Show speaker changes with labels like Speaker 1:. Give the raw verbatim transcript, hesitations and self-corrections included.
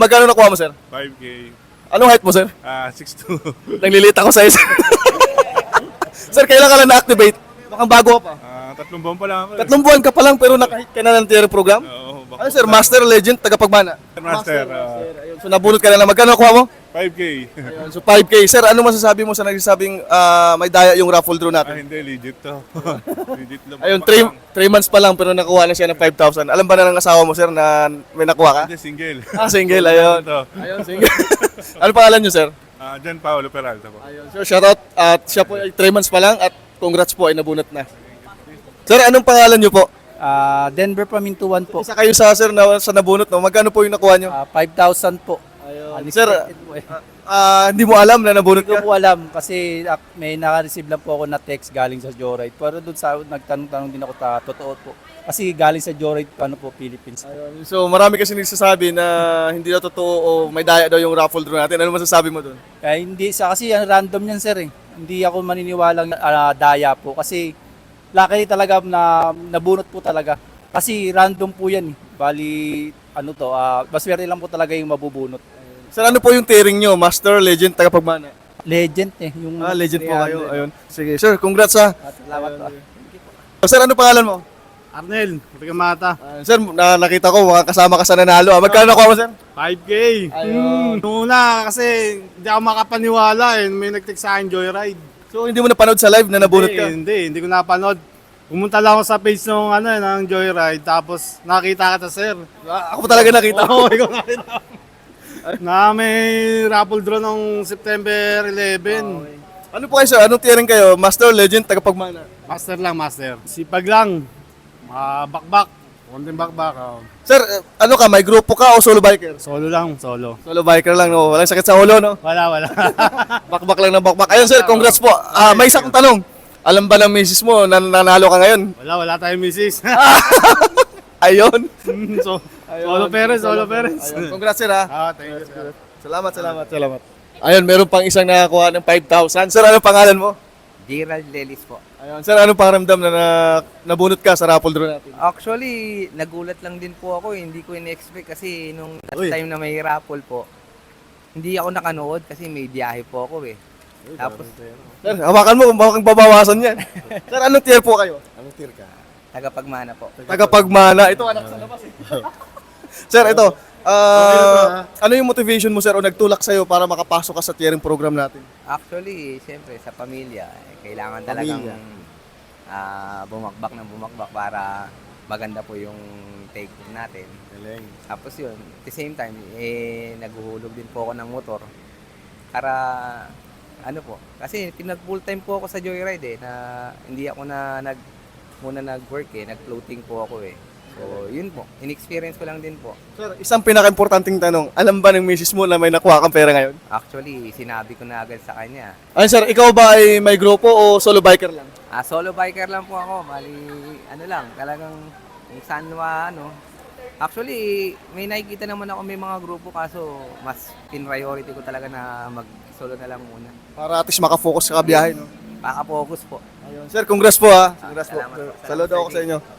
Speaker 1: magkano nakuha mo, sir?
Speaker 2: five K.
Speaker 1: Anong height mo, sir?
Speaker 2: Ah, six two.
Speaker 1: Naglilita ko sa isa. Sir, kailan ka lang na-activate? Mukhang bago ka pa.
Speaker 2: Ah, tatlong buwan pa lang ako. eh.
Speaker 1: Tatlong buwan ka pa lang pero nakahit ka na ng tier program?
Speaker 2: Oo, bak-
Speaker 1: Ano, sir? Master, legend, tagapagmana?
Speaker 2: Master, ah,
Speaker 1: Ayun. So, nabunot ka na lang. Magkano nakuha mo?
Speaker 2: five K.
Speaker 1: Ayun. So, five K. Sir, ano masasabi mo sa nagsasabing ah, may daya yung raffle draw
Speaker 2: Ah,
Speaker 1: natin?
Speaker 2: hindi, legit to. Legit lang.
Speaker 1: Ayun,
Speaker 2: Bakbak
Speaker 1: three
Speaker 2: lang.
Speaker 1: months pa lang pero nakuha na siya ng five thousand. Alam ba na ng asawa mo, sir, na may nakuha ka?
Speaker 2: Hindi, single.
Speaker 1: Ah, single. Ayun.
Speaker 2: Ito.
Speaker 1: Ayun, single. Ano pangalan niyo, sir?
Speaker 2: Ah, John Paolo Peralta po.
Speaker 1: Ayun. Sir, shoutout. At siya po ay three months pa lang at congrats po ay nabunot na. Sir, anong pangalan niyo po?
Speaker 3: Ah, Denver Pamintuan po.
Speaker 1: Isa kayo sa sir na sa nabunot, no? Magkano po yung nakuha niyo?
Speaker 3: Ah, five thousand po.
Speaker 1: Ayun. Sir,
Speaker 3: Unexpected po eh.
Speaker 1: ah, hindi mo alam na nabunot
Speaker 3: Hindi ko
Speaker 1: ka?
Speaker 3: po alam kasi ah, may naka-receive lang po ako na text galing sa Joyride. Pero doon sa nagtanong-tanong din ako ta totoo po. Kasi galing sa Joyride ano po Philippines.
Speaker 1: Ayun. So, marami kasi nagsasabi na hindi na totoo o may daya daw yung raffle draw natin. Ano masasabi mo doon?
Speaker 3: Kaya hindi sa kasi ang random yan sir eh. Hindi ako maniniwalang ah, daya po kasi luckily talaga na nabunot po talaga. Kasi random po yan eh. Bali ano to, ah baswerte lang po talaga yung mabubunot.
Speaker 1: Sir, ano po yung tiering nyo? Master, legend, tagapagmana?
Speaker 3: Legend eh. Yung
Speaker 1: Ah, legend po
Speaker 3: three
Speaker 1: kayo.
Speaker 3: hundred.
Speaker 1: Ayun. Sige, sir, congrats ha.
Speaker 3: Ah, salamat po.
Speaker 1: So, sir, ano pangalan mo?
Speaker 4: Arnel, Rigamata.
Speaker 1: Ah, sir, na nakita ko, mga kasama ka sa nanalo. Ah. Magkano nakuha mo, sir?
Speaker 4: five K.
Speaker 1: Ayun.
Speaker 4: Hmm. Nung una, kasi hindi ako makapaniwala eh. May nag-text sa akin Joyride.
Speaker 1: So, hindi mo napanood sa live na nabunot
Speaker 4: hindi,
Speaker 1: ka?
Speaker 4: Hindi, hindi ko napanood. Pumunta lang ako sa page ng, ano, eh, ng Joyride, tapos nakita kita, sir.
Speaker 1: Ah, ako talaga nakita.
Speaker 4: Oo, ikaw nakita. Na may raffle draw nung September eleven.
Speaker 1: Ano po kayo, sir? Anong tiering kayo? Master, legend, tagapagmana?
Speaker 4: Master lang, master. Sipag lang. Mga bakbak. Konting bakbak. Oh.
Speaker 1: Sir, eh, ano ka? May grupo ka o solo biker?
Speaker 4: Solo lang, solo.
Speaker 1: Solo biker lang, no? Walang sakit sa ulo, no?
Speaker 4: Wala, wala.
Speaker 1: Bakbak lang na bakbak. Ayun, sir, congrats po. Ah, may isa kong tanong. Alam ba ng misis mo na nanalo ka ngayon?
Speaker 4: wala, wala tayong misis.
Speaker 1: Ayun.
Speaker 4: so, solo parents, solo parents.
Speaker 1: Ayun. Congrats, sir, ha?
Speaker 4: Ah, thank you, sir.
Speaker 1: Salamat, salamat, salamat. Ayun, meron pang isang nakakuha ng five thousand. Sir, ano pangalan mo?
Speaker 5: Gerald Lelis po.
Speaker 1: Ayun, sir, anong pakiramdam na, na nabunot ka sa raffle draw natin?
Speaker 5: Actually, nagulat lang din po ako. eh. Hindi ko in-expect kasi nung last
Speaker 1: Uy.
Speaker 5: time na may raffle po, hindi ako nakanood kasi may biyahe po ako eh. Tapos,
Speaker 1: Sir, hawakan mo kung bakit babawasan yan. Sir, anong tier po kayo?
Speaker 5: tagapagmana po.
Speaker 1: Tagapagmana. Ito, anak sa labas eh. Sir, ito. ah, ano yung motivation mo, sir, o nagtulak sa'yo para makapasok ka sa tiering program natin?
Speaker 5: Actually, siyempre, sa pamilya, eh, kailangan talagang
Speaker 1: Pamilya.
Speaker 5: ah, bumakbak ng bumakbak para maganda po yung take natin. Tapos yun, at the same time, eh, naghuhulog din po ako ng motor para, ano po, kasi pinag full time po ako sa Joyride eh, na hindi ako na nag, muna nag-work eh, nag-floating po ako eh. So, yun po, in-experience ko lang din po.
Speaker 1: Sir, isang pinaka-importanting tanong. Alam ba ng misis mo na may nakuha kang pera ngayon?
Speaker 5: Actually, sinabi ko na agad sa kanya.
Speaker 1: Ayun, sir, ikaw ba ay may grupo o solo biker lang?
Speaker 5: Ah, solo biker lang po ako, bali, ano lang, talagang kung saan ma, ano. Actually, may nakikita naman ako may mga grupo kaso mas in-priority ko talaga na mag-solo na lang muna.
Speaker 1: Para at least makafocus sa kabiyahe, no?
Speaker 5: Baka focus po.
Speaker 1: Ayun. Sir, congrats po ha. Congrats po.
Speaker 5: Salamat po.
Speaker 1: Saludo ako sa inyo.